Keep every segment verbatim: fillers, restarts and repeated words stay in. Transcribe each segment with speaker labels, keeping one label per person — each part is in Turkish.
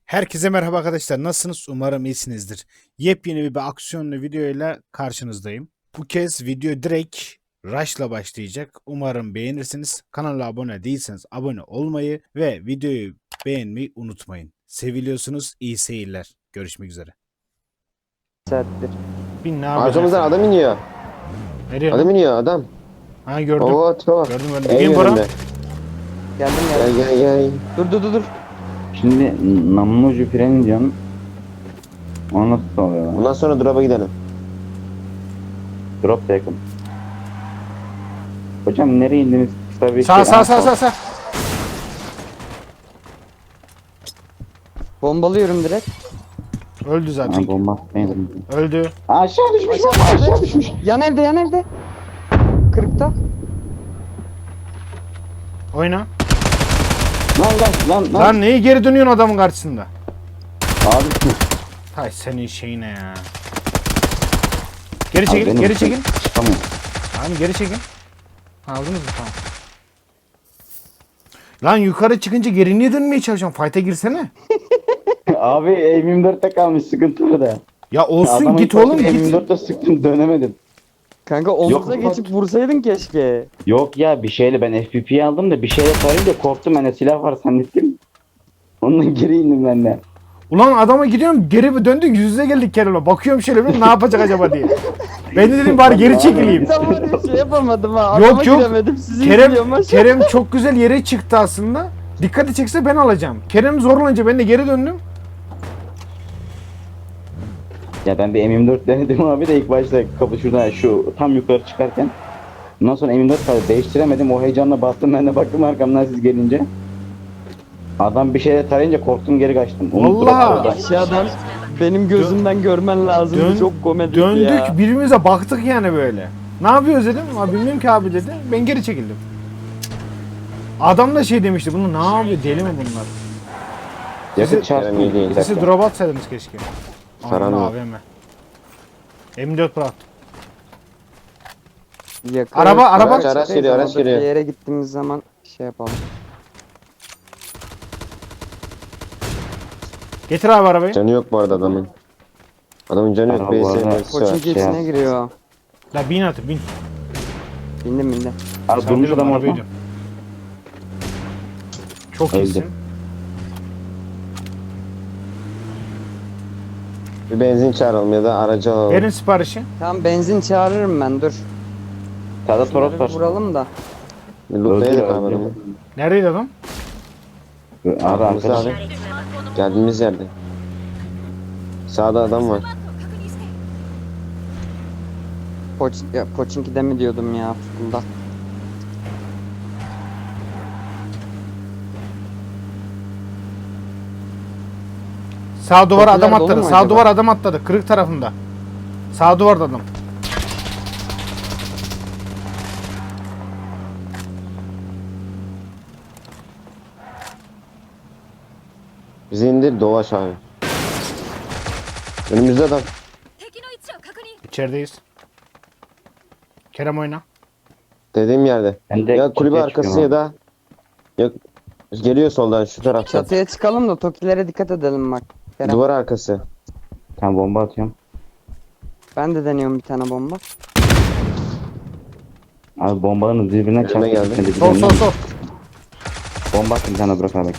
Speaker 1: Herkese merhaba arkadaşlar. Nasılsınız? Umarım iyisinizdir. Yepyeni bir aksiyonlu videoyla karşınızdayım. Bu kez video direkt Rush'la başlayacak. Umarım beğenirsiniz. Kanala abone değilseniz abone olmayı ve videoyu beğenmeyi unutmayın. Seviliyorsunuz. İyi seyirler. Görüşmek üzere.
Speaker 2: Saattir.
Speaker 1: Bin ne yapıyorsun?
Speaker 3: Arkamızdan
Speaker 1: efendim?
Speaker 3: adam iniyor.
Speaker 1: Nereye
Speaker 3: Adam
Speaker 1: lan?
Speaker 3: iniyor adam.
Speaker 1: Ha gördüm.
Speaker 3: Oo tipe bak.
Speaker 1: Gördüm gördüm.
Speaker 3: En
Speaker 1: Gelin Bora.
Speaker 3: yönünde.
Speaker 2: Geldim
Speaker 3: Gel
Speaker 2: geldim.
Speaker 3: gel gel.
Speaker 2: Dur dur dur dur.
Speaker 4: Şimdi namlu ucu freni diyorsun. O nasıl oluyor lan?
Speaker 3: Bundan sonra drop'a gidelim.
Speaker 4: Drop da yakın. Hocam nereye indiniz? Kısa bir
Speaker 1: Sağ
Speaker 4: şey-
Speaker 1: sağ
Speaker 4: Aa,
Speaker 1: sağ sağ sağ.
Speaker 2: Bombalıyorum direkt.
Speaker 1: Öldü
Speaker 4: Aa,
Speaker 1: zaten.
Speaker 4: bomba. Neydi?
Speaker 1: Öldü.
Speaker 4: Aşağı düşmüş bomba aşağı düşmüş.
Speaker 2: Yan evde yan evde. Kırıkta.
Speaker 1: Oyna.
Speaker 4: Lan lan lan lan.
Speaker 1: Lan neyi geri dönüyorsun adamın karşısında?
Speaker 4: Abi.
Speaker 1: Hay senin şeyine ya. Geri
Speaker 4: Abi
Speaker 1: çekil,
Speaker 4: benim-
Speaker 1: geri çekil.
Speaker 4: Çıkamıyorum.
Speaker 1: Tamam geri çekin. Aldınız mı? Tamam. Lan yukarı çıkınca geri niye dönmeye çalışıyorsun? Fight'a girsene.
Speaker 4: Abi M yirmi dörtte kalmış sıkıntı orada.
Speaker 1: Ya olsun
Speaker 4: Adamın
Speaker 1: git
Speaker 4: kafasını
Speaker 1: oğlum
Speaker 4: M
Speaker 1: git.
Speaker 4: yirmi dörtte sıktım dönemedim.
Speaker 2: Kanka omuza
Speaker 4: Yok,
Speaker 2: geçip vursaydın keşke.
Speaker 4: Yok ya bir şeyle ben F P P'yi aldım da bir şeyle tarayınca korktum ben de silah var zannettim. Ondan geri indim ben de.
Speaker 1: Ulan adama gidiyorum geri döndük yüz yüze geldik Kerem'le. Bakıyorum şöyle bir ne yapacak acaba diye. Ben de dedim bari geri çekileyim.
Speaker 2: Ben var ya şey yapamadım ha.
Speaker 1: Yok,
Speaker 2: Adama
Speaker 1: yok.
Speaker 2: giremedim. Sizi
Speaker 1: Kerem,
Speaker 2: izliyorum aşağı.
Speaker 1: Kerem çok güzel yere çıktı aslında. Dikkati çekse ben alacağım. Kerem zorlanınca ben de geri döndüm.
Speaker 4: Ya ben bir M yirmi dört denedim abi de ilk başta kapı şuradan şu tam yukarı çıkarken. Ondan sonra M yirmi dört kaldı değiştiremedim o heyecanla bastım ben de baktım arkamdan siz gelince. Adam bir şeyle tarayınca korktum geri kaçtım. Unuttum
Speaker 1: Vallahi.
Speaker 4: orada.
Speaker 2: Aşağıdan benim gözümden görmen lazım.
Speaker 1: Dön-
Speaker 2: Çok komedi
Speaker 1: Döndük
Speaker 2: ya.
Speaker 1: birbirimize baktık yani böyle. Ne yapıyoruz dedim. Abi bilmiyorum ki abi dedi. Ben geri çekildim. Adam da şey demişti. Bunu ne yapıyor? Deli mi bunlar?
Speaker 4: Yakıt çarptı.
Speaker 3: Kerem iyi değil.
Speaker 1: Sesi
Speaker 4: dakika.
Speaker 1: drop atsaydınız keşke.
Speaker 3: Saran
Speaker 1: Aman
Speaker 3: mı?
Speaker 1: A V M. M dört bıraktım.
Speaker 2: Yakın.
Speaker 1: Araba, araba.
Speaker 3: Araç, araç geliyor, araç
Speaker 2: Orada
Speaker 3: geliyor.
Speaker 2: Bir yere gittiğimiz zaman şey yapalım.
Speaker 1: Getir abi arabayı.
Speaker 3: Canı yok bu arada adamın. Adamın canı yok.
Speaker 4: Araba
Speaker 3: B S
Speaker 4: var.
Speaker 3: M'si
Speaker 2: Koçun
Speaker 3: var.
Speaker 2: içine
Speaker 4: Şey
Speaker 2: giriyor.
Speaker 1: La bin atı bin.
Speaker 2: Bindim bindim.
Speaker 4: Abi
Speaker 1: Sen
Speaker 4: durmuş
Speaker 1: dedim,
Speaker 4: adam
Speaker 1: arabayı
Speaker 4: orada.
Speaker 1: diyorum. Çok
Speaker 4: Öldü.
Speaker 1: iyisin.
Speaker 3: Bir benzin çağıralım ya da aracı alalım.
Speaker 1: Verin siparişi.
Speaker 2: Tamam benzin çağırırım ben dur.
Speaker 4: Sağda Toros
Speaker 2: Şunları
Speaker 4: var.
Speaker 2: bir vuralım da.
Speaker 3: Bir lootlayalım
Speaker 4: Öldü,
Speaker 3: abi
Speaker 4: öldü.
Speaker 3: adamı.
Speaker 1: Neredeydi adam?
Speaker 4: Abi
Speaker 3: Arkamızda
Speaker 4: arkadaş.
Speaker 3: abi. Geldiğimiz yerde. Sağda adam var.
Speaker 2: Poç, ya, Poçinki'de mi diyordum ya bunda.
Speaker 1: Sağ duvara
Speaker 2: Kapılar
Speaker 1: adam
Speaker 2: dolu
Speaker 1: atladı.
Speaker 2: mu
Speaker 1: Sağ
Speaker 2: acaba?
Speaker 1: duvar adam atladı. Kırık tarafında. Sağ duvarda adam.
Speaker 3: Bizi indir dolaş abi. Önümüzde adam.
Speaker 5: 敵の位置を確認。
Speaker 1: İçerideyiz. Kerem oyna.
Speaker 3: Dediğim yerde.
Speaker 4: Ben de
Speaker 3: Ya kulübe
Speaker 4: çatıya
Speaker 3: arkası ya
Speaker 4: çıkıyorum
Speaker 3: da ya geliyor soldan şu taraftan.
Speaker 2: Çatıya çıkalım da Tokilere dikkat edelim bak. Kerem.
Speaker 3: Duvar arkası.
Speaker 4: abi. Tamam bomba atıyorum.
Speaker 2: Ben de deniyorum bir tane bomba.
Speaker 4: Abi bombalarınız birbirine
Speaker 3: Önüme
Speaker 4: çarptı.
Speaker 3: geldi.
Speaker 4: gitmedi,
Speaker 1: Sol sol
Speaker 4: bizden.
Speaker 1: sol.
Speaker 4: Bomba attım bir tane bırak abi.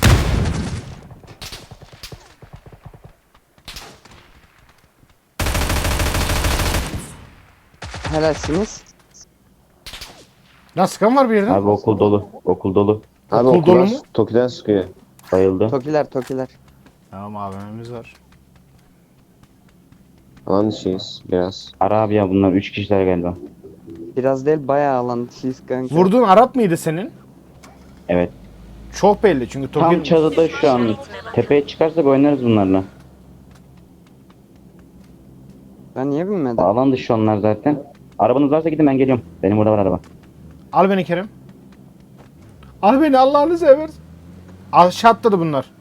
Speaker 2: Helalsiniz.
Speaker 1: Lan sıkan var bir yerden.
Speaker 4: Abi okul dolu. Okul dolu.
Speaker 3: Abi
Speaker 1: Okul dolu
Speaker 3: okullar
Speaker 1: mu?
Speaker 3: Toki'den sıkıyor.
Speaker 4: Bayıldı.
Speaker 2: Tokiler Tokiler.
Speaker 1: Tamam A V M'miz var.
Speaker 3: Alan dışıyız biraz.
Speaker 4: Ara abi ya bunlar üç kişiler galiba.
Speaker 2: Biraz değil bayağı alan dışıyız kanka.
Speaker 1: Vurduğun Arap mıydı senin?
Speaker 4: Evet.
Speaker 1: Çok belli çünkü
Speaker 4: Tam
Speaker 1: Toki...
Speaker 4: çatıda şu an. Tepeye çıkarsak oynarız bunlarla.
Speaker 2: Ben niye binmedim?
Speaker 4: Alan dışı onlar zaten. Arabanız varsa gidin ben geliyorum. Benim burada var araba.
Speaker 1: Al beni Kerem. Al beni Allah'ını seversen. Aşağı atladı bunlar.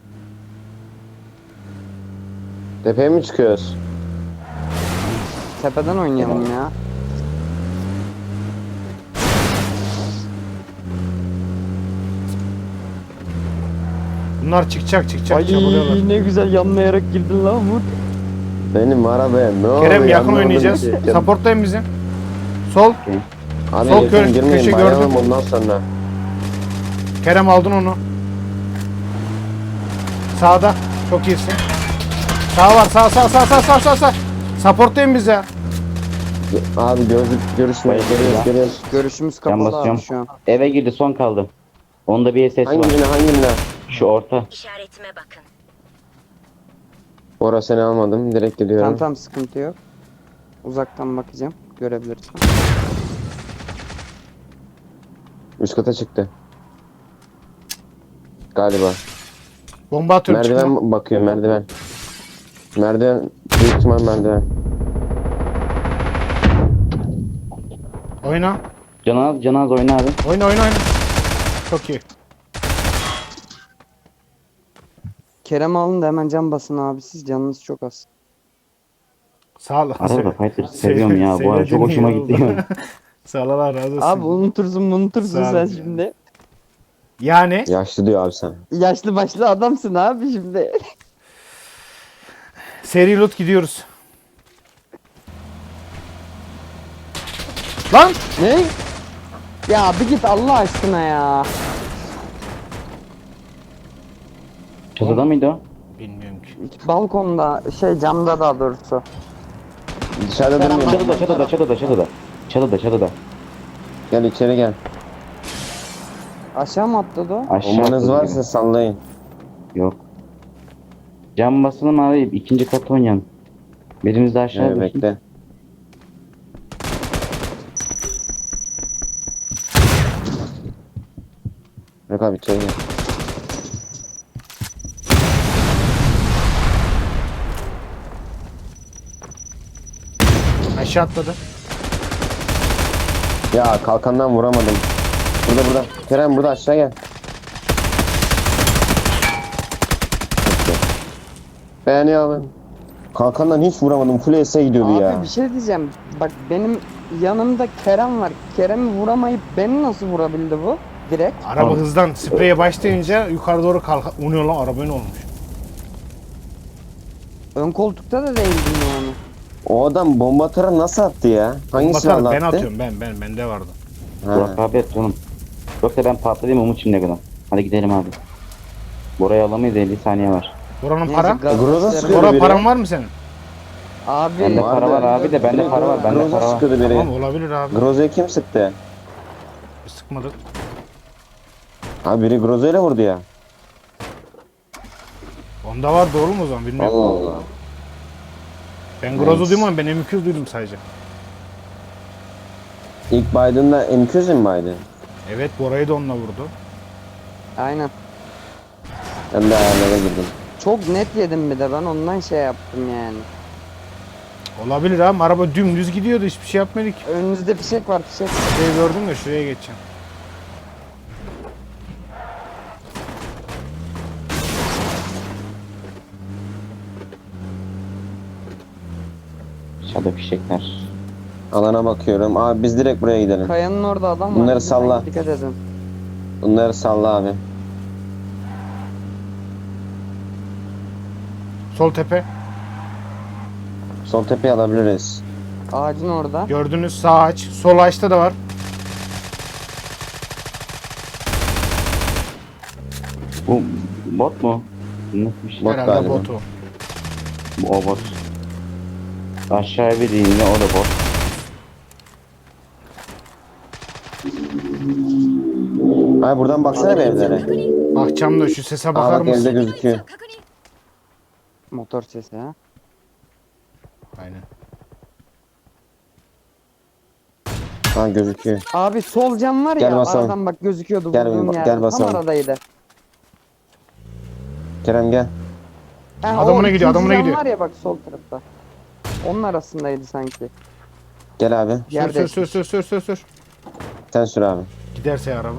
Speaker 3: Tepeye mi çıkıyoruz?
Speaker 2: Tepeden oynayalım ya.
Speaker 1: Bunlar çıkacak çıkacak
Speaker 2: Ay
Speaker 1: çabalıyorlar.
Speaker 2: ne güzel yanlayarak girdin lan Umut.
Speaker 3: Benim arabaya ne oluyor?
Speaker 1: Kerem yakın
Speaker 3: anlamadım
Speaker 1: oynayacağız.
Speaker 3: ki.
Speaker 1: Supportlayın bizi. Sol.
Speaker 3: Abi
Speaker 1: Sol
Speaker 3: yakın
Speaker 1: köşe-
Speaker 3: girmeyin,
Speaker 1: köşe
Speaker 3: bayalım
Speaker 1: gördüm.
Speaker 3: ondan sonra.
Speaker 1: Kerem aldın onu. Sağda. Çok iyisin. Sağ var sağ sağ sağ sağ sağ sağ sağ. Supportlayın bizi.
Speaker 3: Abi gözlük görüşmeyi
Speaker 4: Bayılır
Speaker 3: görüyoruz
Speaker 4: ya.
Speaker 3: görüyoruz.
Speaker 2: Görüşümüz
Speaker 4: Can
Speaker 2: kapalı
Speaker 4: basacağım.
Speaker 2: abi şu an.
Speaker 4: Eve girdi, son kaldı. Onda bir ses
Speaker 3: Hangi
Speaker 4: var.
Speaker 3: birine hangi birine?
Speaker 4: Şu orta.
Speaker 5: İşaretime bakın.
Speaker 3: Orası seni almadım direkt gidiyorum.
Speaker 2: Tamam tamam sıkıntı yok. Uzaktan bakacağım. Görebilirsin.
Speaker 3: Üst kata çıktı. Galiba.
Speaker 1: Bomba atıyorum çıkma.
Speaker 3: Merdiven bakıyor merdiven. Merdiven büyük ihtimal merdiven.
Speaker 1: Oyna.
Speaker 4: Canaz, Canaz oyna abi.
Speaker 1: Oyna oyna oyna. Çok iyi.
Speaker 2: Kerem alın da hemen can basın abi, siz canınız çok az.
Speaker 1: Sağ ol.
Speaker 4: Arada Fighter seviyorum ya. Bu arada çok hoşuma gitti ya.
Speaker 1: Sağ ol Allah razı olsun.
Speaker 2: Abi unutursun unutursun
Speaker 1: Sağ ol
Speaker 2: sen
Speaker 1: ya.
Speaker 2: şimdi.
Speaker 1: Yani
Speaker 3: Yaşlı diyor abi sen.
Speaker 2: Yaşlı başlı adamsın abi şimdi.
Speaker 1: seri loot gidiyoruz. Lan!
Speaker 2: Ne? Ya bir git Allah aşkına ya.
Speaker 4: Çatıda mıydı o?
Speaker 1: Bilmiyorum ki.
Speaker 2: Balkonda şey camda daha doğrusu.
Speaker 3: Dışarıda
Speaker 2: Kerem
Speaker 3: durmuyor.
Speaker 4: Çatıda, çatıda, çatıda, çatıda. Çatıda, çatıda.
Speaker 3: Gel içeri gel.
Speaker 2: Aşağı mı atladı o?
Speaker 4: Aşağı
Speaker 3: Bombanız
Speaker 4: atladı
Speaker 3: varsa
Speaker 4: gibi.
Speaker 3: sallayın.
Speaker 4: Yok. Cam basalım abi. İkinci kat oynayalım. Birimiz de aşağı
Speaker 3: Evet,
Speaker 4: düşsün.
Speaker 3: bekle. Yok abi içeri gel.
Speaker 1: Aşağı atladı.
Speaker 3: Ya kalkandan vuramadım. Burada burada. Kerem burada aşağı gel. Beğeniyorum. Kalkandan hiç vuramadım. Full S'e gidiyordu
Speaker 2: Abi
Speaker 3: ya.
Speaker 2: bir şey diyeceğim. Bak benim yanımda Kerem var. Kerem'i vuramayıp beni nasıl vurabildi bu? Direkt.
Speaker 1: Araba
Speaker 4: Tamam.
Speaker 1: hızdan spreye başlayınca yukarı doğru kalk. O ne lan, araba ne olmuş?
Speaker 2: Ön koltukta da değildim yani.
Speaker 3: O adam bomba atarı nasıl attı ya? Hangi
Speaker 1: Bakarım,
Speaker 3: silahla
Speaker 1: ben
Speaker 3: attı?
Speaker 1: atıyorum ben ben bende vardı.
Speaker 3: Ha.
Speaker 4: Burak abi et oğlum. Yoksa ben patlayayım Umut şimdiye kadar. Hadi gidelim abi. Bora'yı alamayız, elli saniye var.
Speaker 1: Buranın
Speaker 2: Neyse,
Speaker 1: para?
Speaker 2: gaz
Speaker 3: Groza
Speaker 2: gösterelim.
Speaker 3: sıkıyor.
Speaker 1: Bora
Speaker 3: biri.
Speaker 1: paran var mı senin?
Speaker 2: Abi
Speaker 4: Bende
Speaker 3: Vardı.
Speaker 4: para var abi de, bende para var, bende
Speaker 3: Groza
Speaker 4: para var.
Speaker 3: sıkıyordu biri.
Speaker 1: Tamam olabilir abi.
Speaker 3: Groza'yı kim sıktı?
Speaker 1: Sıkmadık.
Speaker 3: Abi biri Groza ile vurdu ya.
Speaker 1: Onda var doğru mu o zaman bilmiyorum.
Speaker 3: Allah Allah.
Speaker 1: Ben Grozo
Speaker 3: Nice.
Speaker 1: duymam, ben M iki yüz duydum sadece.
Speaker 3: İlk Biden'da M iki yüz mi Biden?
Speaker 1: Evet, Bora'yı da onunla vurdu.
Speaker 2: aynen.
Speaker 3: Ben de ayarlara girdim.
Speaker 2: Çok net yedim bir de ben ondan şey yaptım yani.
Speaker 1: Olabilir abi, araba dümdüz gidiyordu, hiçbir şey yapmadık.
Speaker 2: Önünüzde fişek var fişek.
Speaker 1: Şurayı gördüm de şuraya geçeceğim.
Speaker 4: Aşağıda fişekler.
Speaker 3: Alana bakıyorum. Abi biz direkt buraya gidelim.
Speaker 2: Kayanın orada adam var.
Speaker 3: Bunları
Speaker 2: lütfen
Speaker 3: salla.
Speaker 2: Dikkat edin.
Speaker 3: Bunları salla abi.
Speaker 1: Sol tepe.
Speaker 3: Sol tepeyi alabiliriz.
Speaker 2: Ağacın orada.
Speaker 1: Gördünüz, sağ aç. Sol açta da var.
Speaker 4: Bu bot mu? Nasıl bir şey?
Speaker 3: Bot
Speaker 1: Herhalde
Speaker 3: galiba.
Speaker 1: botu.
Speaker 4: Bu o bot. Aşağıya bir iniyor, o da bot.
Speaker 3: Abi buradan baksana bir evlere.
Speaker 1: Bakacağım da şu sese
Speaker 3: Aa
Speaker 1: bakar
Speaker 3: bak evde
Speaker 1: mısın?
Speaker 3: gözüküyor.
Speaker 5: 確認
Speaker 2: Motor sesi ha.
Speaker 1: Aynen.
Speaker 3: Ha gözüküyor.
Speaker 2: Abi sol cam var
Speaker 3: Gel
Speaker 2: ya
Speaker 3: basalım.
Speaker 2: aradan bak gözüküyordu
Speaker 3: Gel
Speaker 2: vurduğum
Speaker 3: bir-
Speaker 2: yer.
Speaker 3: gel
Speaker 2: Tam
Speaker 3: basalım.
Speaker 2: aradaydı.
Speaker 3: Kerem gel.
Speaker 2: Ha,
Speaker 1: Adamına
Speaker 2: o
Speaker 1: gidiyor,
Speaker 2: ikinci
Speaker 1: adamına
Speaker 2: cam
Speaker 1: gidiyor.
Speaker 2: var ya bak sol tarafta. Onun arasındaydı sanki.
Speaker 3: Gel abi.
Speaker 1: Sür
Speaker 2: Yer
Speaker 1: sür sür sür sür sür sür.
Speaker 3: Sen sür abi.
Speaker 1: Giderse ya araba.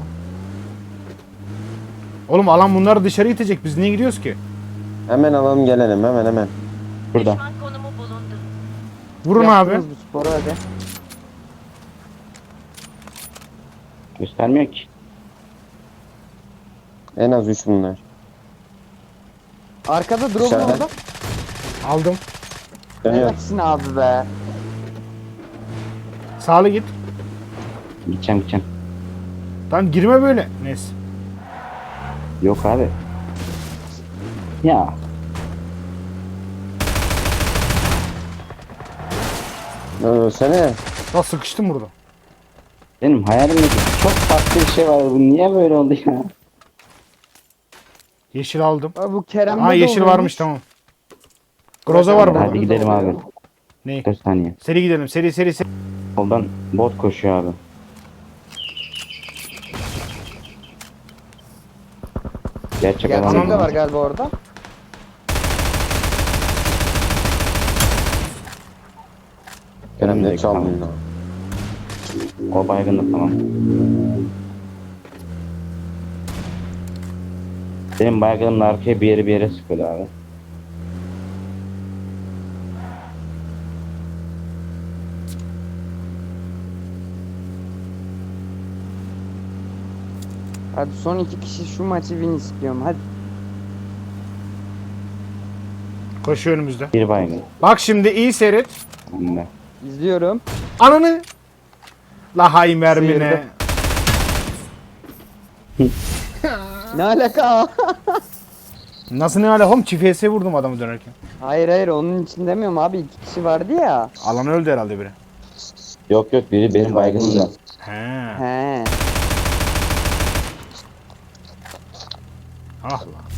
Speaker 1: Oğlum alan bunları dışarı itecek. Biz niye gidiyoruz ki?
Speaker 3: Hemen alalım gelelim hemen hemen.
Speaker 4: Burada.
Speaker 5: düşman konumu bulundu.
Speaker 1: Vurun abi.
Speaker 2: Yaptınız bu sporu hadi.
Speaker 4: Göstermiyor ki.
Speaker 3: En az üç bunlar.
Speaker 2: Arkada drone
Speaker 3: Dışarıda.
Speaker 2: orada.
Speaker 1: Aldım.
Speaker 3: Dönüyor.
Speaker 2: Helalsin abi be.
Speaker 1: Sağlı git.
Speaker 4: Gideceğim gideceğim.
Speaker 1: Lan girme böyle. Neyse.
Speaker 4: Yok abi. Ya.
Speaker 3: Ölsene.
Speaker 1: Lan sıkıştım burada.
Speaker 4: Benim hayalimdeki çok farklı bir şey var. Bu niye böyle oldu ya?
Speaker 1: Yeşil aldım.
Speaker 2: Abi bu Kerem'de
Speaker 1: Aa
Speaker 2: de
Speaker 1: yeşil
Speaker 2: oluyormuş.
Speaker 1: varmış tamam. Groza var burada.
Speaker 4: Hadi gidelim abi.
Speaker 1: Ne?
Speaker 4: dört saniye.
Speaker 1: Seri gidelim. Seri seri seri.
Speaker 4: Soldan bot koşuyor abi. Gerçek adam.
Speaker 2: Gerçek de
Speaker 1: Tamam.
Speaker 2: var galiba orada.
Speaker 3: Kerem ne
Speaker 4: Önümdeki,
Speaker 3: çaldın
Speaker 4: tamam.
Speaker 3: lan?
Speaker 4: O baygın da tamam. Benim baygınımla arkaya bir yere bir yere sıkıyordu abi.
Speaker 2: Hadi son iki kişi şu maçı win istiyorum. Hadi.
Speaker 1: Koşuyor önümüzde.
Speaker 4: Bir baygın.
Speaker 1: Bak şimdi iyi seyret.
Speaker 4: Önünde.
Speaker 2: İzliyorum.
Speaker 1: Ananı. La hay mermine.
Speaker 2: Sıyırdı. Ne alaka?
Speaker 1: Nasıl ne alakam? Çift F S vurdum adamı dönerken.
Speaker 2: Hayır hayır onun için demiyorum abi. İki kişi vardı ya.
Speaker 1: Alan öldü herhalde biri.
Speaker 4: Yok yok biri benim baygınımda.
Speaker 1: He.
Speaker 2: He.
Speaker 1: Ah lan.